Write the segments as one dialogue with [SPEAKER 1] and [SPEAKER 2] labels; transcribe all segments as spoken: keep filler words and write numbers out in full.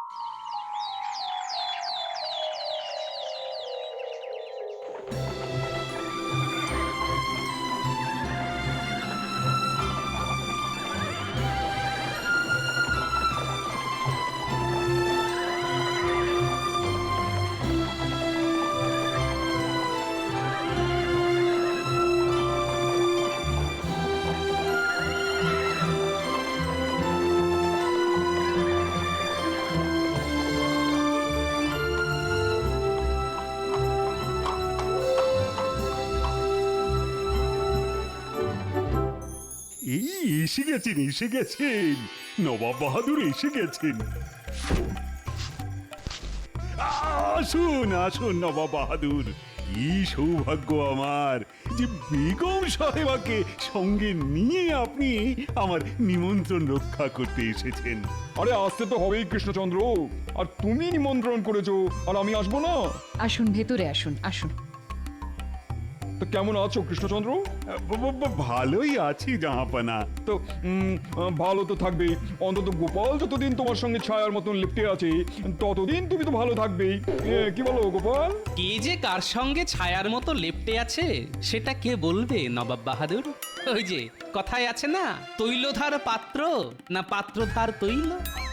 [SPEAKER 1] এই এসে গেছেন এসে গেছেন নবাব বাহাদুর এসে গেছেন। আসুন আসুন নবাব বাহাদুর, কি সৌভাগ্য আমার যে বেগম সাহেবাকে সঙ্গে নিয়ে আপনি আমার নিমন্ত্রণ রক্ষা করতে এসেছেন।
[SPEAKER 2] আরে আসতে তো হবেই কৃষ্ণচন্দ্র, আর তুমি নিমন্ত্রণ করেছো আর আমি আসবো না?
[SPEAKER 3] আসুন, ভেতরে আসুন আসুন।
[SPEAKER 2] তো কেমন আছো কৃষ্ণচন্দ্র?
[SPEAKER 1] ব- ব- ব- ভালোই আছি জাহাপানা।
[SPEAKER 2] তো উম, ভালো তো থাকবে, অন্তত গোপাল যতদিন তোমার সঙ্গে ছায়ার মতন লিপ্টে আছে ততদিন তুমি তো ভালো থাকবেই। এ, কি বলো গোপাল?
[SPEAKER 4] কে যে কার সঙ্গে ছায়ার মতো লেপ্টে আছে সেটা কে বলবে নবাব বাহাদুর? ওই যে কথায় আছে না, তৈলধার পাত্র না পাত্রধার তৈল।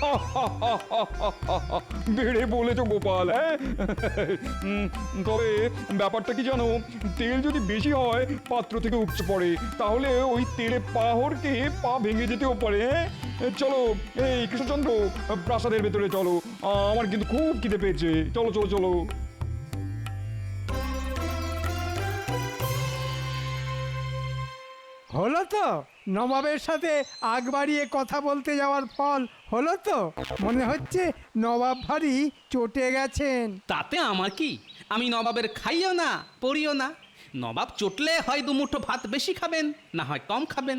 [SPEAKER 2] বেড়ে বলেছো গোপাল। হ্যাঁ উম, তবে ব্যাপারটা কি জানো, তেল যদি বেশি হয় পাত্র থেকে উপচে পড়ে, তাহলে ওই তেলে পা হড়কে পা ভেঙে যেতেও পারে। হ্যাঁ চলো এই কৃষ্ণচন্দ্র, প্রাসাদের ভেতরে চলো, আমার কিন্তু খুব খিদে পেয়েছে। চলো চলো চলো।
[SPEAKER 5] হলো তো নবাবের সাথে আগ বাড়িয়ে কথা বলতে যাওয়ার ফল হলো তো? মনে হচ্ছে নবাব ভারী চটে গেছেন।
[SPEAKER 4] তাতে আমার কি, আমি নবাবের খাইও না পড়িও না। নবাব চটলে হয় দুমুঠো ভাত বেশি খাবেন, না হয় কম খাবেন।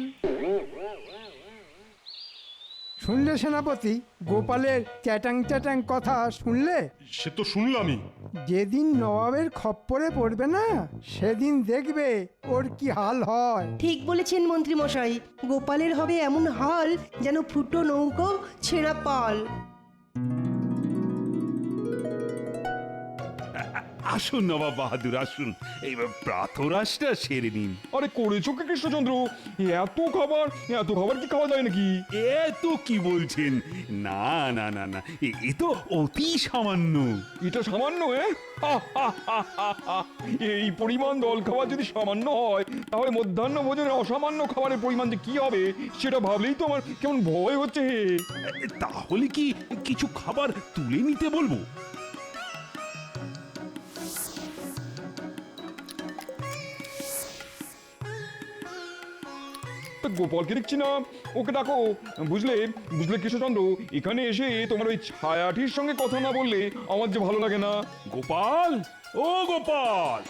[SPEAKER 5] শুনলে সেনাপতি, গোপালের চ্যাটাং চ্যাটাং কথা শুনলে?
[SPEAKER 6] সে তো শুনলামই।
[SPEAKER 5] যেদিন নবাবের খপ্পরে পড়বে না, সেদিন দেখবে ওর কি হাল হয়।
[SPEAKER 7] ঠিক বলেছেন মন্ত্রী মশাই, গোপালের হবে এমন হাল যেন ফুটো নৌকো ছেঁড়া পাল।
[SPEAKER 1] আসুন নবাব বাহাদুর আসুন, এই প্রাতরাশটা সেরে নিন।
[SPEAKER 2] আরে করেছো কি কৃষ্ণচন্দ্র? এত খাবার, এত খাবার কি খাওয়া যায় নাকি?
[SPEAKER 1] এত কি বলছেন? না না না না, এ- এ তো অতি সামান্য।
[SPEAKER 2] এটা সামান্য? হ্যাঁ এই পরিমাণ দল খাবার যদি সামান্য হয়, তাহলে মধ্যাহ্ন ভোজনের অসামান্য খাবারের পরিমাণ যে কি হবে সেটা ভাবলেই তো আমার কেমন ভয় হচ্ছে।
[SPEAKER 1] তাহলে কি কিছু খাবার তুলে নিতে বলবো?
[SPEAKER 2] তা গোপালকে দেখছি না, ওকে ডাকো। বুঝলে বুঝলে কৃষ্ণচন্দ্র, এখানে এসে তোমার ওই ছায়াটির সঙ্গে কথা না বললে আমার যে ভালো লাগে না।
[SPEAKER 1] গোপাল, ও গোপাল!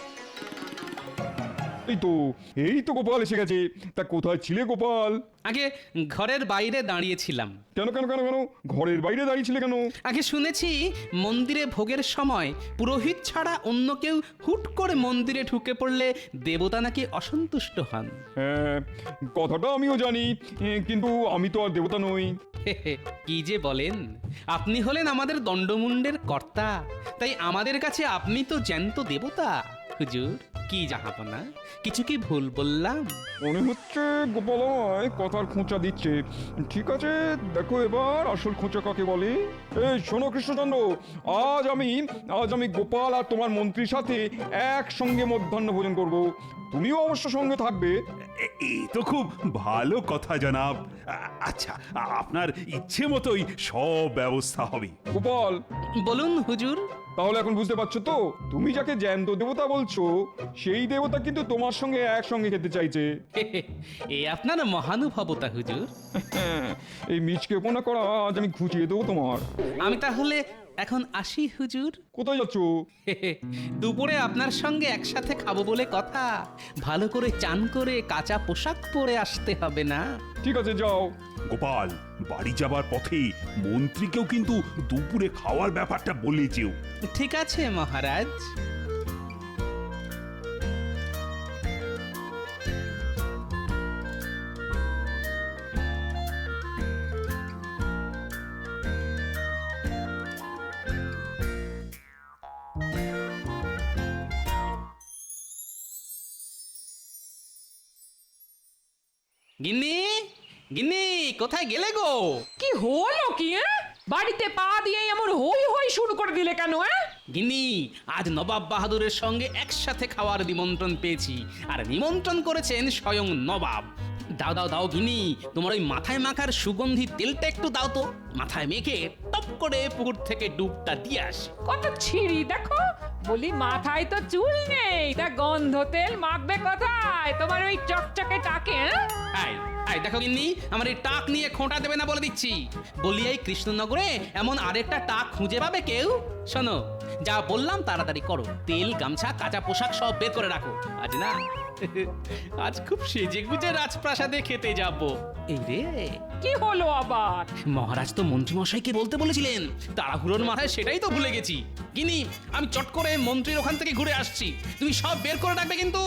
[SPEAKER 2] এই তো এই তো গোপাল এসে গেছে। তা কোথায় ছিলে গোপাল?
[SPEAKER 4] আগে ঘরের বাইরে দাঁড়িয়েছিলাম।
[SPEAKER 2] কেন কেন কেন কেন ঘরের বাইরে দাঁড়িয়েছিলে কেন?
[SPEAKER 4] আগে শুনেছি মন্দিরে ভোগের সময় পুরোহিত ছাড়া অন্য কেউ হুট করে মন্দিরে ঢুকে পড়লে দেবতা নাকি অসন্তুষ্ট হন।
[SPEAKER 2] হ্যাঁ, কথাটা আমিও জানি, এ, কিন্তু আমি তো আর দেবতা নই।
[SPEAKER 4] কি যে বলেন, আপনি হলেন আমাদের দণ্ডমুণ্ডের কর্তা, তাই আমাদের কাছে আপনি তো জ্যান্ত দেবতা। হুজুর, কি জাহাপনা, কিছু কি ভুল বললাম?
[SPEAKER 2] মনে হচ্ছে গোপাল আমায় কথার খোঁচা দিচ্ছে। ঠিক আছে, দেখো এবার আসল খোঁচা কাকে বলে। এই শোনো কৃষ্ণচন্দ্র, আজ আমি আজ আমি গোপাল আর তোমার মন্ত্রীর সাথে একসঙ্গে মধ্যাহ্ন ভোজন করব। তুমিও অবশ্য সঙ্গে থাকবে।
[SPEAKER 1] এ- এ তো খুব ভালো কথা জনাব। আ- আচ্ছা, আ- আপনার ইচ্ছে মতোই সব ব্যবস্থা হবে।
[SPEAKER 2] গোপাল,
[SPEAKER 4] বলুন হুজুর।
[SPEAKER 2] তাহলে এখন বুঝতে পারছো তো, তুমি যাকে জ্যান্ত দেবতা বলছো সেই দেবতা কিন্তু তোমার সঙ্গে একসঙ্গে খেতে চাইছে।
[SPEAKER 4] এ আপনার মহানুভবতা হুজুর।
[SPEAKER 2] এই মিচকে পোনা করা আজ আমি ঘুচিয়ে দেবো তোমার।
[SPEAKER 4] আমি তাহলে এখন আসি হুজুর।
[SPEAKER 2] কোথায় যাচ্ছ?
[SPEAKER 4] দুপুরে আপনার সঙ্গে একসাথে খাবো বলে কথা, ভালো করে চান করে কাঁচা পোশাক পরে আসতে হবে না?
[SPEAKER 2] ঠিক আছে, যাও।
[SPEAKER 1] গোপাল, বাড়ি যাবার পথে মন্ত্রীকেও কিন্তু দুপুরে খাওয়ার ব্যাপারটা বলে যেও।
[SPEAKER 4] ঠিক আছে মহারাজ। গিন্নি গিন্নি কোথায় গেলে গো?
[SPEAKER 6] কি হলো কি হ্যাঁ? বাড়িতে পা দিয়ে এমন হই হই শুরু করে দিলে কেন হ্যাঁ?
[SPEAKER 4] গিন্নি আজ নবাব বাহাদুরের সঙ্গে একসাথে খাওয়ার নিমন্ত্রণ পেয়েছি, আর নিমন্ত্রণ করেছেন স্বয়ং নবাব। দাও দাও দাও গিন্নি, তোমার ওই মাথায় মাখার সুগন্ধি তেলটা একটু দাও তো, মাথায় মেখে টপ করে পুকুর থেকে ডুবটা দিয়ে আসি।
[SPEAKER 6] কত ছিঁড়ি দেখো, বলি মাথায় তো চুল নেই, তা গন্ধ তেল মাখবে কোথায় তোমার ওই চকচকে টাকে হ্যাঁ?
[SPEAKER 4] আই আই দেখো গিন্নি, আমার এই টাক নিয়ে খোঁটা দেবে না বলে দিচ্ছি। বলি এই কৃষ্ণনগরে এমন আরেকটা টাক খুঁজে পাবে কেউ? শোনো, যা বললাম তাড়াতাড়ি করো, তেল গামছা কাঁচা পোশাক সব বের করে রাখো। আজ না আজ খুব সেজে গুজে রাজপ্রাসাদে খেতে যাব। এই রে,
[SPEAKER 6] কি হলো আবার?
[SPEAKER 4] মহারাজ তো মন্ত্রী মশাইকে বলতে বলেছিলেন, তাড়াহুড়োর মাথায় সেটাই তো ভুলে গেছি। গিনি আমি চট করে মন্ত্রীর ওখান থেকে ঘুরে আসছি, তুমি সব বের করে রাখবে কিন্তু।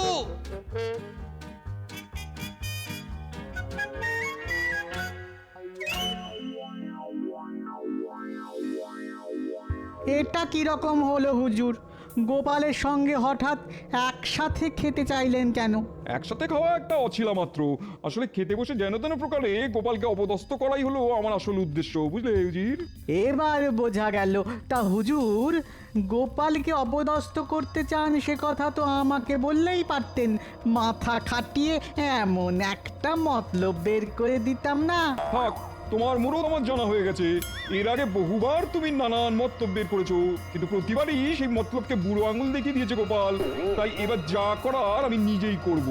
[SPEAKER 8] এটা কি রকম হলো হুজুর? গোপালের সঙ্গে হঠাৎ একসাথে খেতে চাইলেন কেন?
[SPEAKER 2] একসাথে খাওয়া একটা অছিলা মাত্র। আসলে খেতে বসে যেন তেন প্রকারে গোপালকে অপদস্থ করাই হলো আমার আসল উদ্দেশ্য, বুঝলে হুজুর?
[SPEAKER 8] এবার বোঝা গেল। তা হুজুর, গোপালকে অপদস্থ করতে চান সে কথা তো আমাকে বললেই পারতেন, মাথা খাটিয়ে এমন একটা মতলব বের করে দিতাম না?
[SPEAKER 2] থাক, তোমার মুরত আমার জানা হয়ে গেছে। এর আগে বহুবার তুমি নানান মতলব বের করেছো, কিন্তু প্রতিবারই সেই মতলবকে বুড়ো আঙুল দেখিয়ে দিয়েছে গোপাল। তাই এবার যা করার আমি নিজেই করব।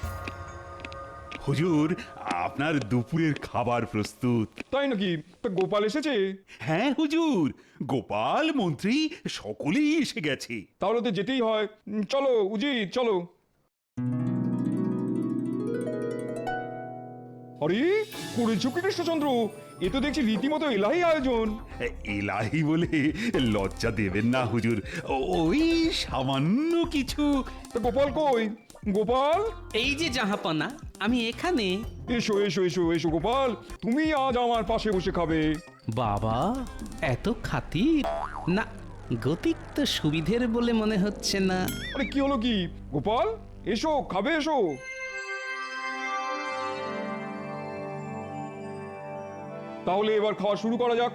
[SPEAKER 1] হুজুর, আপনার দুপুরের খাবার প্রস্তুত।
[SPEAKER 2] তাই নাকি? তা গোপাল এসেছে?
[SPEAKER 1] হ্যাঁ হুজুর, গোপাল মন্ত্রী সকলেই এসে গেছে।
[SPEAKER 2] তাহলে তো যেতেই হয়। উম, চলো উজির, চলো। আরে করেছো কি কৃষ্ণচন্দ্র? এ তো দেখছি রীতিমতো এলাহি আয়োজন।
[SPEAKER 1] এলাহি বলে লজ্জা দেবেন না হুজুর, ওই সামান্য কিছু।
[SPEAKER 2] তা গোপাল কই? গোপাল,
[SPEAKER 4] এই যে জাহাপনা, আমি এখানে।
[SPEAKER 2] এসো এসো এসো এসো গোপাল, তুমি আজ আমার পাশে বসে খাবে।
[SPEAKER 4] বাবা এত খাতির না, গতিক তো সুবিধের বলে মনে হচ্ছে না।
[SPEAKER 2] আরে কি হলো কি? গোপাল এসো, খাবে এসো। তাহলে এবার খাওয়া শুরু করা যাক।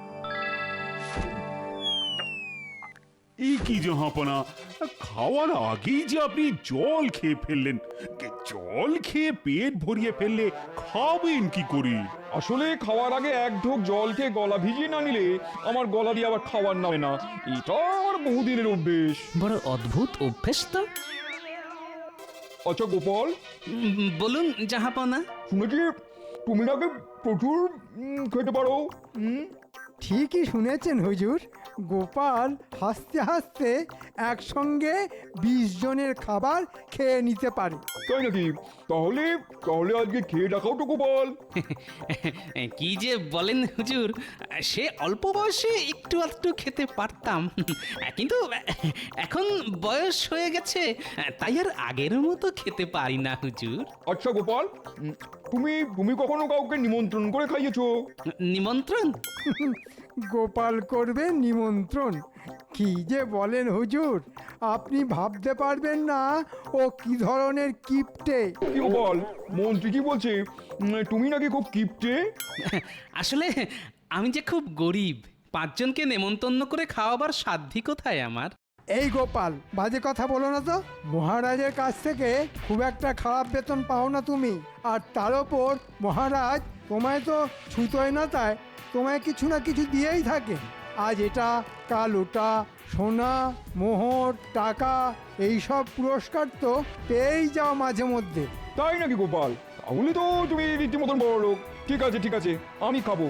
[SPEAKER 1] এই কি জাহাপনা, খাওয়ার আগেই যে আপনি জল খেয়ে ফেললেন। জল খেয়ে পেট ভরিয়ে ফেললে খাবেন কি করে?
[SPEAKER 2] আসলে খাওয়ার আগে এক ঢোক জল খেয়ে গলা ভিজিয়ে না নিলে আমার গলা দিয়ে আবার খাবার নামে না। এটা আমার বহুদিনের অভ্যেস।
[SPEAKER 4] বড় অদ্ভুত অভ্যেস তো।
[SPEAKER 2] আচ্ছা গোপাল,
[SPEAKER 4] উম, বলুন জাহাপনা।
[SPEAKER 2] শুনেছি তুমি নাকি প্রচুর উম, খেতে পারো। হুম,
[SPEAKER 5] ঠিকই শুনেছেন হুজুর, গোপাল হাসতে হাসতে একসঙ্গে বিশ জনের খাবার খেয়ে নিতে পারে।
[SPEAKER 2] তাই নাকি? তাহলে তাহলে আজকে খেয়ে দেখাও তো গোপাল।
[SPEAKER 4] কি যে বলেন হুজুর, সে অল্প বয়সে একটু একটু খেতে পারতাম, কিন্তু এখন বয়স হয়ে গেছে, তাই আর আগের মতো খেতে পারি না হুজুর।
[SPEAKER 2] আচ্ছা গোপাল, উম, তুমি তুমি কখনো কাউকে নিমন্ত্রণ করে খাইয়েছো?
[SPEAKER 4] নিমন্ত্রণ?
[SPEAKER 5] গোপাল করবে নিমন্ত্রণ? কি যে বলেন হুজুর, আপনি ভাবতে পারবেন না ও কি ধরনের কিপটে।
[SPEAKER 2] কি গোপাল, মন্ত্রী কি বলছে? উম, তুমি নাকি খুব কিপটে?
[SPEAKER 4] আসলে আমি যে খুব গরিব, পাঁচজনকে নেমন্তন্ন করে খাওয়াবার সাধ্যি কোথায় আমার।
[SPEAKER 5] এই গোপাল, বাজে কথা বলো না তো। মহারাজের কাছ থেকে খুব একটা খারাপ বেতন পাও না তুমি, আর তার ওপর মহারাজ তোমায় তো ছুতোয় না, তাই তোমায় কিছু না কিছু দিয়েই থাকে। আজ এটা, কাল ওটা, সোনা, মোহর, টাকা, এইসব পুরস্কার তো পেয়েই যাও মাঝে মধ্যে।
[SPEAKER 2] তাই নাকি গোপাল? তাহলে তো তুমি রীতিমতন বড় লোক। ঠিক আছে ঠিক আছে, আমি খাবো।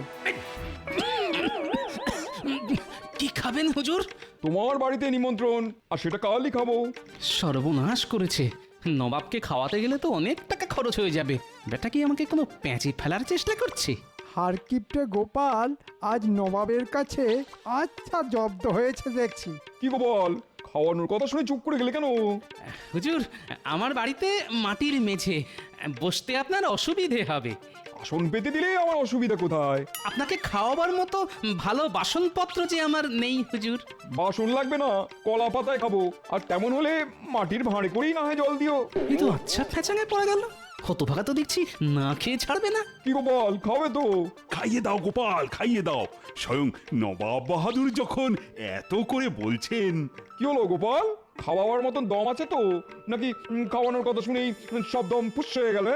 [SPEAKER 4] কি খাবেন হুজুর?
[SPEAKER 2] তোমার বাড়িতে নিমন্ত্রণ, আর সেটা কালই খাবো।
[SPEAKER 4] সর্বনাশ করেছে, নবাবকে খাওয়াতে গেলে তো অনেক টাকা খরচ হয়ে যাবে। বেটা কি আমাকে কোনো প্যাঁচে ফেলার চেষ্টা করছে?
[SPEAKER 5] হারকিপটে গোপাল আজ নবাবের কাছে আচ্ছা জব্দ হয়েছে দেখছি।
[SPEAKER 2] কি গোপাল, খাওয়ানোর কথা শুনে চুপ করে গেলে কেন?
[SPEAKER 4] হুজুর, আমার বাড়িতে মাটির মেঝে, বসতে আপনার অসুবিধে হবে।
[SPEAKER 2] আসন পেতে দিলে আমার অসুবিধা কোথায়?
[SPEAKER 4] আপনাকে খাওয়াবার মতো ভালো বাসনপত্র যে আমার নেই হুজুর।
[SPEAKER 2] বাসন লাগবে না, কলা পাতায় খাবো। আর তেমন হলে মাটির ভাঁড়ে করেই না হয় জল দিও।
[SPEAKER 4] এই তো আচ্ছা ফেঁচাঙে পড়ে গেল। হতভাগা তো দেখছি না খেয়ে ছাড়বে না।
[SPEAKER 2] কি গোপাল, খাবে তো?
[SPEAKER 1] খাইয়ে দাও গোপাল, খাইয়ে দাও। স্বয়ং নবাব বাহাদুর যখন এত করে বলছেন।
[SPEAKER 2] কি হলো গোপাল, খাওয়াবার মতন দম আছে তো, নাকি উম, খাওয়ানোর কথা শুনেই সব দম পুষ হয়ে গেল?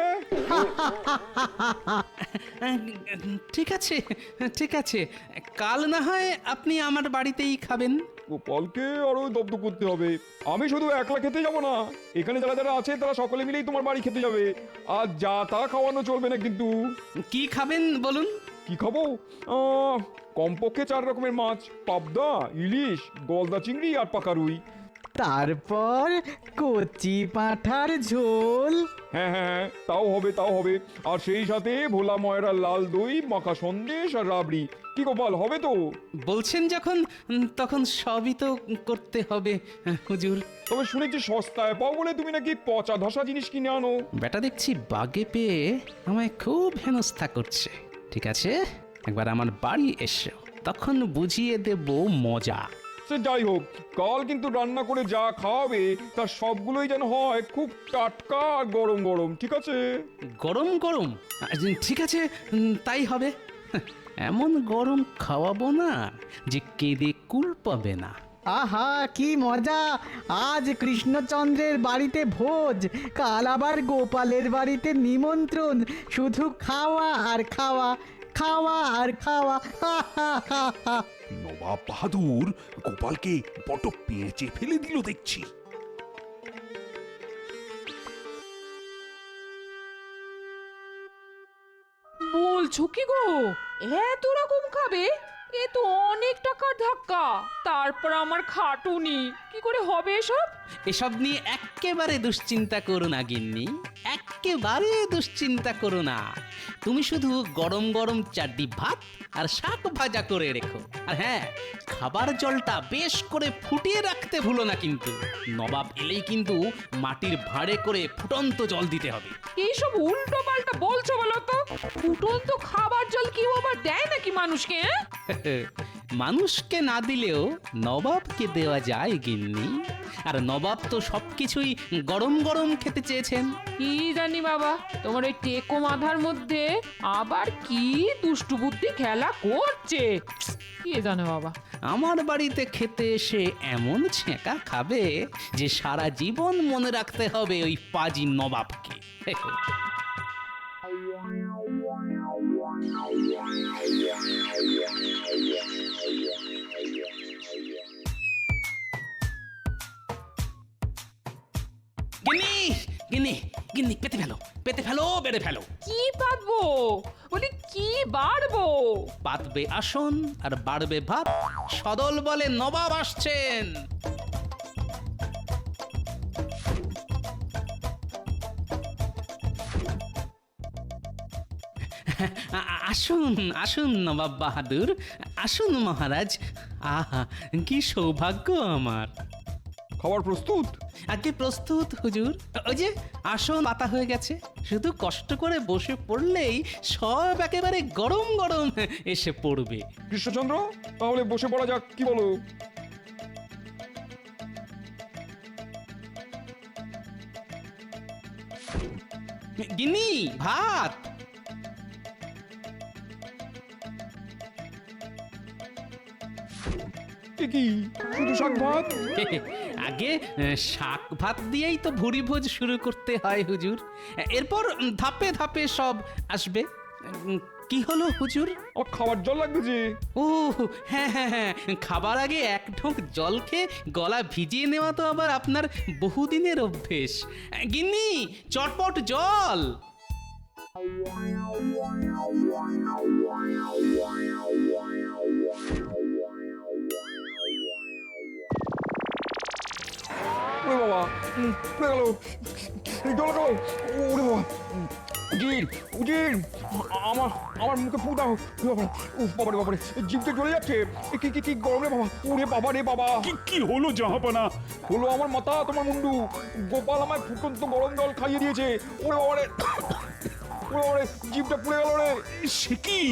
[SPEAKER 2] হ্যাঁ
[SPEAKER 4] ঠিক আছে ঠিক আছে, কাল না হয় আপনি আমার বাড়িতেই খাবেন।
[SPEAKER 2] গোপালকে আরো দব্দ করতে হবে। আমি শুধু একলা খেতে যাব না, এখানে যারা যারা আছে তারা সকলে মিলেই তোমার বাড়ি খেতে যাবে। আর যা তা খাওয়ানো চলবে না কিন্তু।
[SPEAKER 4] কি খাবেন বলুন?
[SPEAKER 2] কি খাবো? আহ, কমপক্ষে চার রকমের মাছ, পাবদা, ইলিশ, গলদা চিংড়ি আর পাকা রুই।
[SPEAKER 8] তারপর কচি পাঁঠার ঝোল।
[SPEAKER 2] হ্যাঁ হ্যাঁ হ্যাঁ, তাও হবে তাও হবে। আর সেই সাথে ভোলা ময়রা লাল দই, মাখা সন্দেশ আর রাবড়ি। কি গোপাল, হবে তো?
[SPEAKER 4] বলছেন যখন, উম, তখন সবই তো করতে হবে হুজুর।
[SPEAKER 2] তবে শুনেছি সস্তায় পাও বলে তুমি নাকি পচা ধসা জিনিস কিনে আনো।
[SPEAKER 4] বেটা দেখছি বাগে পেয়ে আমায় খুব হেনস্থা করছে। ঠিক আছে, একবার আমার বাড়ি এসো, তখন বুঝিয়ে দেব মজা।
[SPEAKER 2] সে যাই হোক, কাল কিন্তু রান্না করে যা খাওয়াবে তার সবগুলোই যেন হয় খুব টাটকা আর গরম গরম, ঠিক আছে?
[SPEAKER 4] গরম গরম? আহ, ঠিক আছে, উম, তাই হবে। এমন গরম খাওয়াবো না যে কেঁদে কুল পাবে না।
[SPEAKER 8] আহা কি মজা! আজ কৃষ্ণচন্দ্রের বাড়িতে ভোজ, কাল আবার গোপালের বাড়িতে নিমন্ত্রণ। শুধু খাওয়া আর খাওয়া, খাওয়া আর খাওয়া। হা হা হা হা।
[SPEAKER 1] নবাব বাহাদুর গোপালকে বড় পেঁচে ফেলে দিল দেখছি।
[SPEAKER 6] বলছো কি গো, এত রকম খাবে? এ তো অনেক টাকার ধাক্কা। তারপর আমার খাটুনি, কি করে হবে এসব?
[SPEAKER 4] এসব নিয়ে এক্কেবারে দুশ্চিন্তা করো না গিন্নি, এক্কেবারে দুশ্চিন্তা করো না। তুমি শুধু গরম গরম চারটি ভাত আর শাক ভাজা করে রেখো। আর হ্যাঁ, খাবার জলটা বেশ করে ফুটিয়ে রাখতে ভুলো না কিন্তু। নবাব এলেই কিন্তু মাটির ভাঁড়ে করে ফুটন্ত জল দিতে হবে।
[SPEAKER 6] এইসব উল্টো পাল্টা বলছো বলো তো? ফুটন্ত খাবার জল কি আবার দেয় নাকি মানুষকে? হ্যাঁ?
[SPEAKER 4] মানুষকে না দিলেও নবাবকে দেওয়া যায় গিন্নি। আর নবাব তো সবকিছুই গরম গরম খেতে চেয়েছেন।
[SPEAKER 6] কি জানি বাবা, তোমার ওই টেকো মাথার মধ্যে আবার কি দুষ্টু বুদ্ধি খেলা করছে, কে জানে বাবা।
[SPEAKER 4] আমার বাড়িতে খেতে এসে এমন ছেঁকা খাবে যে সারা জীবন মনে রাখতে হবে ওই পাজি নবাবকে। গিন্নি গিন্নি গিন্নি, পেতে ফেলো পেতে ফেলো, বেড়ে ফেলো।
[SPEAKER 6] কি পাতবো বলি, কি বাড়বো?
[SPEAKER 4] পাতবে আসন আর বাড়বে ভাত। সদল বলে নবাব আসছেন। আ- আ- আসুন আসুন নবাব বাহাদুর, আসুন মহারাজ। আহা কি সৌভাগ্য আমার।
[SPEAKER 2] খাবার প্রস্তুত?
[SPEAKER 4] আগে প্রস্তুত হুজুর। ওই যে আসন পাতা হয়ে গেছে, শুধু কষ্ট করে বসে পড়লেই সব একেবারে গরম গরম এসে পড়বে।
[SPEAKER 2] কৃষ্ণচন্দ্র, তাহলে বসে পড়া যাক, কি বলো?
[SPEAKER 4] গিন্নি, ভাত।
[SPEAKER 2] এ কি, শুধু শাক ভাত?
[SPEAKER 4] আগে আহ, শাক ভাত দিয়েই তো ভুরি ভোজ শুরু করতে হয় হুজুর। এরপর ধাপে ধাপে সব আসবে। উম, কি হলো হুজুর?
[SPEAKER 2] আমার খাবার জল লাগবে যে।
[SPEAKER 4] ও হ্যাঁ হ্যাঁ হ্যাঁ, খাবার আগে এক ঢোক জল খেয়ে গলা ভিজিয়ে নেওয়া তো আবার আপনার বহুদিনের অভ্যেস। গিন্নি, চটপট জল।
[SPEAKER 2] ওরে বাবা, উম, পড়ে গেল, এই জল খাও। ওরে বাবা, উম, উজির উজির, আমার আমার মুখে ফু দাও। উফ বাবারে বাবারে, জিভটা জ্বলে যাচ্ছে। এ কি কি কি গরম রে বাবা, ওরে বাবা রে বাবা।
[SPEAKER 1] কি কি হলো জাহাপনা?
[SPEAKER 2] হলো আমার মাথা তোমার মুন্ডু। গোপাল আমায় ফুটন্ত গরম জল খাইয়ে দিয়েছে। ওরে বাবারে, ওরে বাবারে, জিভটা পুড়ে গেল রে।
[SPEAKER 1] সে কি?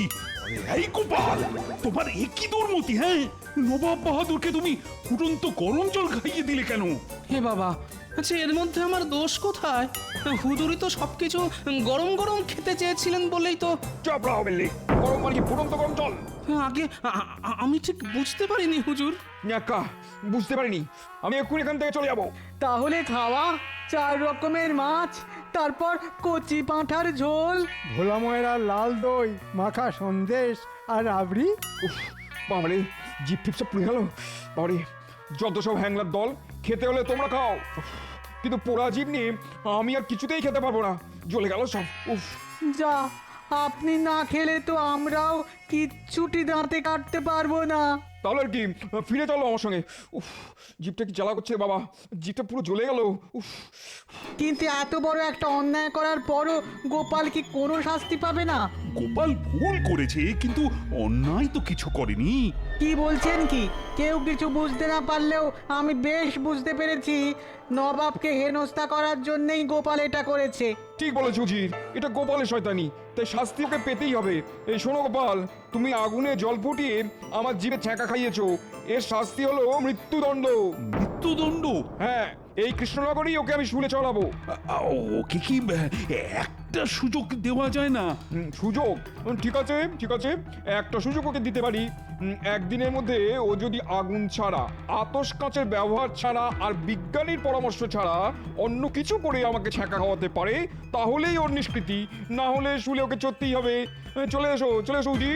[SPEAKER 1] এই গোপাল, তোমার একই দুর্মতি, হ্যাঁ? নবাব বাহাদুরকে তুমি ফুটন্ত গরম জল খাইয়ে দিলে কেন?
[SPEAKER 4] হে বাবা, আচ্ছা এর মধ্যে আমার দোষ কোথায়? হুজুরি তো সবকিছু গরম গরম খেতে চেয়েছিলেন বলেই তো
[SPEAKER 2] চাপ রাও বিল্লি, গরম পানি কি ফুটন্ত গরম জল?
[SPEAKER 4] আগে আ- আ- আমি ঠিক বুঝতে পারিনি হুজুর।
[SPEAKER 2] ন্যাকা, বুঝতে পারিনি। আমি এক্ষুনি এখান থেকে চলে যাবো।
[SPEAKER 8] তাহলে খাওয়া চার রকমের মাছ, তারপর কচি পাঁঠার ঝোল।
[SPEAKER 5] ভোলা ময়রা লাল দই মাখা সন্দেশ আর রাবড়ি।
[SPEAKER 2] উফ, বাবারে, জিপ টিপ সব পুড়ে গেল। বাবারে, যত সব হ্যাংলার দল, খেতে হলে তোমরা খাও। উফ, কিন্তু পোড়া জিপ নিয়ে আমি আর কিছুতেই খেতে পারবো না, জ্বলে গেল সব। উফ,
[SPEAKER 8] যা, আপনি না খেলে তো আমরাও কিচ্ছুটি দাঁতে কাটতে পারবো না।
[SPEAKER 2] তাহলে আর কি, ফিরে চলো আমার সঙ্গে। উফ, জিপটা কি জ্বালা করছে বাবা, জিপটা পুরো জ্বলে গেল। উফ,
[SPEAKER 8] কিন্তু এত বড় একটা অন্যায় করার পরও গোপাল কি কোনো শাস্তি পাবে না?
[SPEAKER 1] গোপাল ভুল করেছে, কিন্তু অন্যায় তো কিছু করেনি।
[SPEAKER 8] কি বলছেন কি? কেউ কিছু বুঝতে না পারলেও আমি বেশ বুঝতে পেরেছি নবাবকে হেনস্থা করার জন্যই গোপাল এটা করেছে।
[SPEAKER 2] ঠিক বলেছো জি, এটা গোপালের শয়তানি, তাই শাস্তি ওকে পেতেই হবে। এই শোনো গোপাল, তুমি আগুনে জল ফুটিয়ে আমার জিভে ছ্যাঁকা খাইয়েছো, এর শাস্তি হলো মৃত্যুদণ্ড।
[SPEAKER 1] মৃত্যুদণ্ড?
[SPEAKER 2] হ্যাঁ, এই কৃষ্ণনগরেই ওকে আমি শুলে চড়াবো।
[SPEAKER 1] আ- ওকে কি আহ, একটা সুযোগ দেওয়া যায় না?
[SPEAKER 2] হুম, সুযোগ? হুম, ঠিক আছে ঠিক আছে, একটা সুযোগ ওকে দিতে পারি। হুম, একদিনের মধ্যে ও যদি আগুন ছাড়া, আতস কাঁচের ব্যবহার ছাড়া আর বিজ্ঞানীর পরামর্শ ছাড়া অন্য কিছু করে আমাকে ছ্যাঁকা খাওয়াতে পারে, তাহলেই ওর নিষ্কৃতি, না হলে শুলে ওকে চড়তেই হবে। এ, চলে এসো চলে এসো উজি।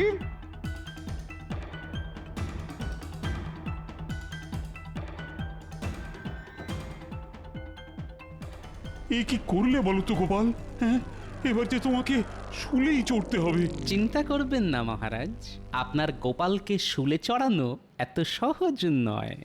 [SPEAKER 1] এ কি করলে বলো তো গোপাল? হ্যাঁ, এবার যে তোমাকে শুলেই চড়তে হবে।
[SPEAKER 4] চিন্তা করবেন না মহারাজ, আপনার গোপালকে শুলে চড়ানো এত সহজ নয়।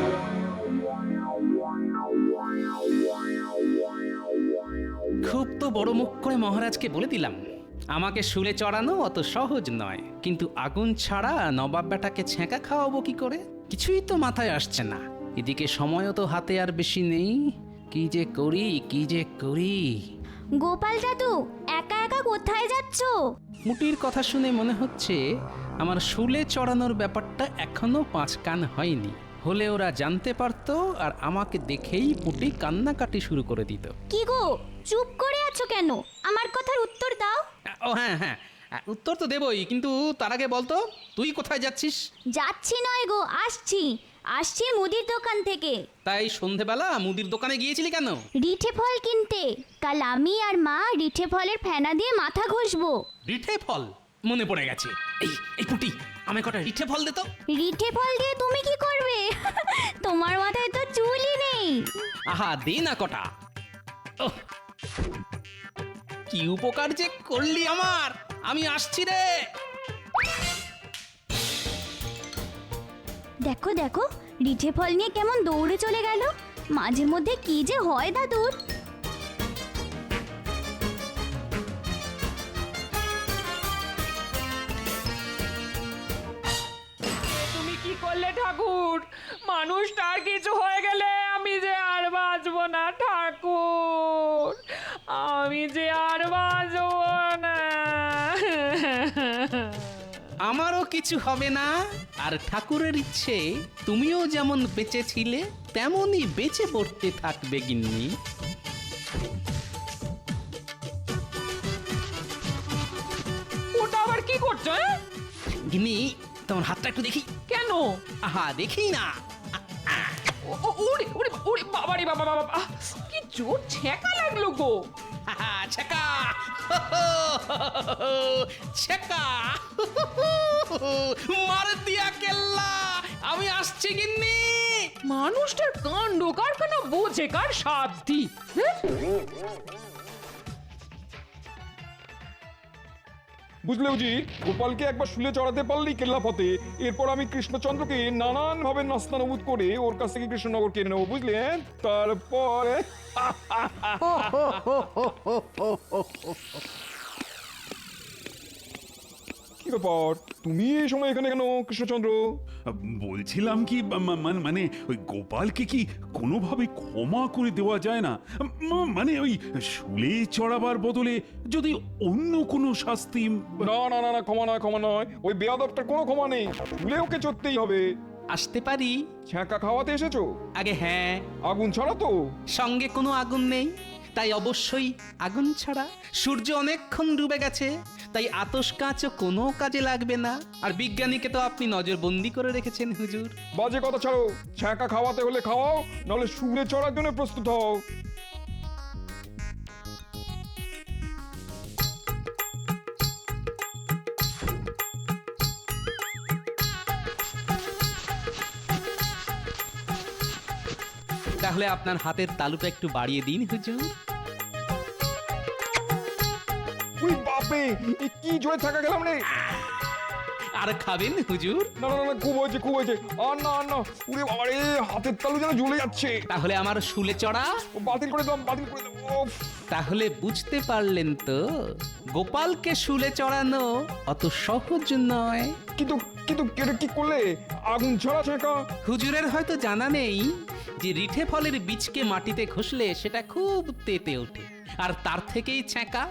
[SPEAKER 4] খুব তো বড় মুখ করে মহারাজকে বলে দিলাম, আমাকে শুলে চড়ানো অত সহজ নয়, কিন্তু আগুন ছাড়া নবাব বেটাকে ছ্যাঁকা খাওয়াবো কি করে? কিছুই তো মাথায় আসছে না। এদিকে সময়ও তো হাতে আর বেশি নেই। কি যে করি কি যে করি।
[SPEAKER 9] গোপাল দাদু, একা একা কোথায় যাচ্ছো?
[SPEAKER 4] মুটির কথা শুনে মনে হচ্ছে আমার শুলে চড়ানোর ব্যাপারটা এখনো পাঁচ কান হয়নি। হলে ওরা জানতে পারতো আর আমাকে দেখেই পুটি কান্নাকাটি শুরু করে দিত।
[SPEAKER 9] কি গো, চুপ করে আছো কেন? আমার কথার উত্তর দাও।
[SPEAKER 4] ও হ্যাঁ হ্যাঁ, উত্তর তো দেবই, কিন্তু তার আগে বলতো তুই কোথায় যাচ্ছিস?
[SPEAKER 9] যাচ্ছি নয় গো, আসছি আসছি মুদির দোকান থেকে।
[SPEAKER 4] তাই সন্ধেবেলা মুদির দোকানে গিয়েছিলি কেন?
[SPEAKER 9] রিঠে ফল কিনতে। কাল আমি আর মা রিঠে ফলের ফেনা দিয়ে মাথা ঘষবো।
[SPEAKER 4] রিঠে ফল? মনে পড়ে গেছে। এই এই পুটি, আমায় কটা রিঠে ফল দে তো।
[SPEAKER 9] রিঠে ফল দিয়ে তুমি কি করবে? তোমার মাথায় তো চুলই নেই।
[SPEAKER 4] আহা, দে না কটা। ওহ, কি উপকার যে করলি আমার। আমি আসছি রে।
[SPEAKER 9] দেখো দেখো, রিঠে ফল নিয়ে কেমন দৌড়ে চলে গেল। মাঝে মধ্যে কি যে হয় দাদুর।
[SPEAKER 6] তুমি কি করলে ঠাকুর? মানুষটার কিছু হয়ে গেলে আমি যে আর বাঁচবো না ঠাকুর, আমি যে আর বাঁচবো না।
[SPEAKER 4] আমারও কিছু হবে না। আর ঠাকুরের ইচ্ছে তুমিও যেমন বেঁচে ছিলে তেমনই বেঁচে পড়তে থাকবে গিন্নি।
[SPEAKER 6] ওটা আবার কি করছো? হ্যাঁ?
[SPEAKER 4] গিন্নি, তোমার হাতটা একটু দেখি।
[SPEAKER 6] কেন?
[SPEAKER 4] আহা, দেখি না।
[SPEAKER 6] ও- ও- ওরে ওরে ওরে বাবা রে বাবা বাবা, আহ, কি জোর ছ্যাঁকা লাগলো গো।
[SPEAKER 4] আহা, ছেকা ছেকা মার দিয়া কেল্লা। আমি আসছি গিন্নি।
[SPEAKER 6] মানুষটার কাণ্ড কারখানা বোঝে কার সাধ্যি। হ্যাঁ?
[SPEAKER 2] বুঝলে উজি, গোপালকে একবার শুলে চড়াতে পারলেই কেল্লা ফতে। এরপর আমি কৃষ্ণচন্দ্রকে নানান ভাবে নাস্তানবুদ করে ওর কাছ থেকে কৃষ্ণনগর কিনে নেবো, বুঝলে? তারপরে কি ব্যাপার তুমি এই সময় এখানে কেন কৃষ্ণচন্দ্র?
[SPEAKER 1] বলছিলাম কি মা- মা- মানে ওই গোপালকে কি কোনোভাবে ক্ষমা করে দেওয়া যায় না? মা- মানে ওই শুলে চড়াবার বদলে যদি অন্য কোনো শাস্তি।
[SPEAKER 2] না না না না ক্ষমা নয় ক্ষমা নয়, ওই বেয়াদবটার কোনো ক্ষমা নেই, শুলে ওকে চড়তেই হবে।
[SPEAKER 4] আসতে পারি?
[SPEAKER 2] ছ্যাঁকা খাওয়াতে এসেছো?
[SPEAKER 4] আগে হ্যাঁ,
[SPEAKER 2] আগুন ছাড়া তো?
[SPEAKER 4] সঙ্গে কোনো আগুন নেই, তাই অবশ্যই আগুন ছাড়া। সূর্য অনেকক্ষণ ডুবে গেছে, তাই আতস কাঁচও কোনো কাজে লাগবে না। আর বিজ্ঞানীকে তো আপনি নজরবন্দি করে রেখেছেন হুজুর।
[SPEAKER 2] বাজে কথা ছাড়ো, ছ্যাঁকা খাওয়াতে হলে খাওয়াও, নাহলে শুলে চড়ার জন্য প্রস্তুত হও।
[SPEAKER 4] তাহলে আপনার হাতের তালুটা একটু বাড়িয়ে দিন হুজুর।
[SPEAKER 2] উই বাপরে, এ কি জোরে থাকা গেলাম রে।
[SPEAKER 4] আর খাবেন হুজুর?
[SPEAKER 2] না না না, খুব হয়েছে খুব হয়েছে, আর না আর না, উরে বাবা রে, হাতের তালু যেন জ্বলে যাচ্ছে।
[SPEAKER 4] তাহলে আমার শুলে চড়া?
[SPEAKER 2] ও, বাতিল করে দাও বাতিল করে দাও। উফ,
[SPEAKER 4] তাহলে বুঝতে পারলেন তো, গোপালকে শুলে চড়ানো অত সহজ নয়।
[SPEAKER 2] কিন্তু কিন্তু এটা কি করলে? আগুন ছাড়া ছ্যাঁকা?
[SPEAKER 4] হুজুরের হয়তো জানা নেই যে রিঠে ফলের বীজকে মাটিতে ঘষলে সেটা খুব তেতে ওঠে, আর তার থেকেই ছ্যাঁকা।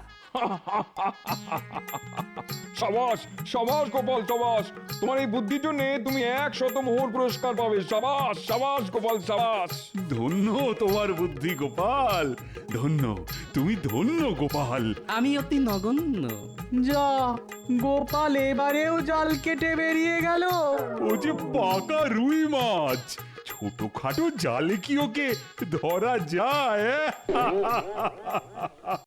[SPEAKER 2] সাবাস সাবাস গোপাল সাবাস, তোমার এই বুদ্ধির জন্য তুমি একশত মোহর পুরস্কার পাবে। সাবাস সাবাস গোপাল সাবাস।
[SPEAKER 1] ধন্য তোমার বুদ্ধি গোপাল, ধন্য তুমি, ধন্য গোপাল।
[SPEAKER 4] আমি অতি নগণ্য।
[SPEAKER 8] যা, গোপাল এবারেও জাল কেটে বেরিয়ে গেল।
[SPEAKER 1] ও যে পাকা রুই মাছ, ছোটখাটো জালে কি ওকে ধরা যায়?